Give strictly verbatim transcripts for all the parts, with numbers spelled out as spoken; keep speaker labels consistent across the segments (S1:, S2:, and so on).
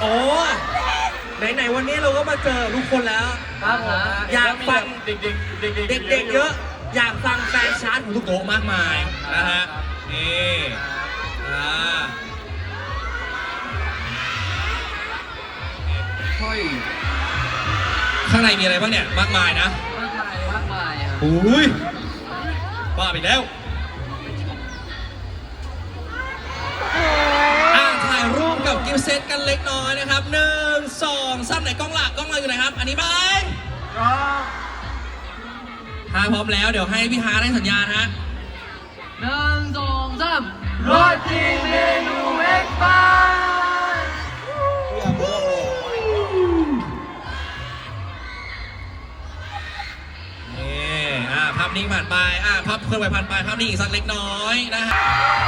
S1: อ้ไหนๆวันนี้เราก็มาเจอทุกคนแล้ว
S2: ครับผม
S1: อยากฟัง
S2: เด็กๆเด็กๆ
S1: เด็กๆเยอะ อยากฟังแฟนชาร์ตของทุกโต๊ะมากมายนะฮะนี่อ่า
S2: เฮ้ย
S1: ข้างในมีอะไรบ้างเนี่ยมากมายนะ
S2: มากมายมากมายครับ
S1: อุ้ยบ้าไปแล้วอ่าถ่ายรูปกับกิฟต์เซตกันเล็กน้อยนะครับหนึ่งสองสามไหนกล้องหลักกล้องเราอยู่ไหนครับ อันนี้ไหมถ้าพร้อมแล้วเดี๋ยวให้พี่ฮาร์ดให้สัญญาณฮะ
S2: หนึ่งสองสามรสดีเมนูเอ็กซ์บาร์
S1: นี่อ่าภาพนิ่งผ่านไปอ่าภาพเคลื่อนไหวผ่านไปภาพนิ่งอีกสักเล็กน้อยนะฮะ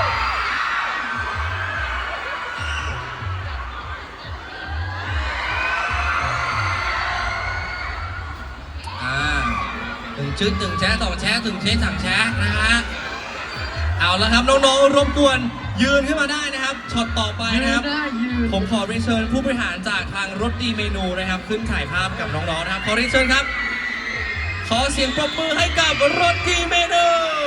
S1: อ่าหนึ่งชึดหนึ่งแชะสองแชะถึงเชะสามแชะนะฮะเอาแล้วครับน้องๆรบกวนยืนขึ้นมาได้นะครับช็อตต่อไปนะครับ
S2: ได้ยืน
S1: ผมขอเรียนเชิญผู้บริหารจากทางรถดีเมนูนะครับขึ้นถ่ายภาพกับน้องๆนะครับขอเรียนเชิญครับ ขอเสียงปรบมือให้กับรถดีเมนู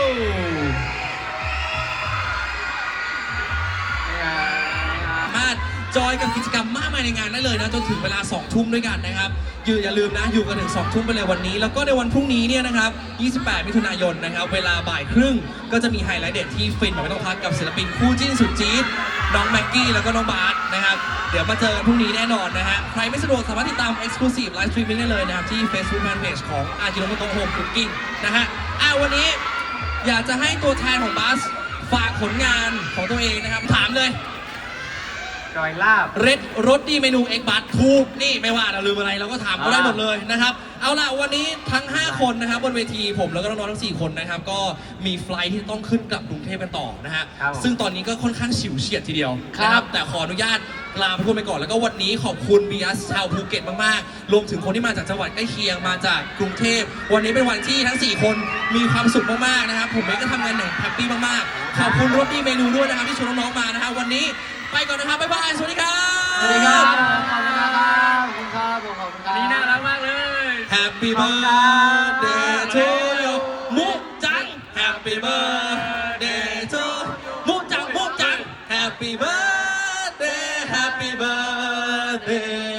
S1: สามารถจอยกับกิจกรรมมากมายในงานได้เลยนะจนถึงเวลาสองทุ่มด้วยกันนะครับอยู่อย่าลืมนะอยู่กันถึงสองทุ่มไปเลยวันนี้แล้วก็ในวันพรุ่งนี้เนี่ยนะครับยี่สิบแปดมิถุนายนนะครับเวลาบ่ายครึ่งก็จะมีไฮไลท์เด็ดที่ฟินแบบไม่ต้องพักกับศิลปินคู่จิ้นสุดจี๊ดน้องแม็กกี้แล้วก็น้องบาสนะครับเดี๋ยวมาเจอกันพรุ่งนี้แน่นอนนะฮะใครไม่สะดวกสามารถติดตาม Exclusive Live Streaming ได้เลยนะครับที่ Facebook Fanpage ของอาจิโนโมโตะโฮมคุกกิ้งนะฮะอ่ะวันนี้อยากจะให้ตัวแทนของบัสฝากผลงานของตัวเองนะครับถามเลย
S2: จอยลาบ
S1: เรดรถดีเมนูเอ็กบัตถูกนี่ไม่ว่าเราลืมอะไรเราก็ถามเขาได้หมดเลยนะครับเอาล่ะวันนี้ทั้งห้าคนนะครับบนเวทีผมแล้วก็น้องๆทั้งสี่คนนะครับก็มีไฟลท์ที่ต้องขึ้นกลับกรุงเทพกันต่อนะฮะซึ่งตอนนี้ก็ค่อนข้างฉิวเฉียดทีเดียวนะครับแต่ขออนุญาตลาไปพูดไปก่อนแล้วก็วันนี้ขอบคุณบีอัสชาวภูเก็ตมากๆรวมถึงคนที่มาจากจังหวัดใกล้เคียงมาจากกรุงเทพวันนี้เป็นวันที่ทั้งสี่คนมีความสุขมากๆนะครับผมเองก็ทำงานอย่างแฮปปี้มากๆขอบคุณรถดีเมนูด้วยนะครับที่ชวนน้องๆมานะฮะวันนี้ไปก่อนนะครับบ๊ายบายสวัสดีครับ
S2: สวัสดีครับขอบคุณครับขอบคุณครับขอบคุณครับ
S1: นี่น่ารักมากเลย Happy birthday to you มุกจัง Happy birthday to มุกจังมุกจัง Happy birthday Happy birthday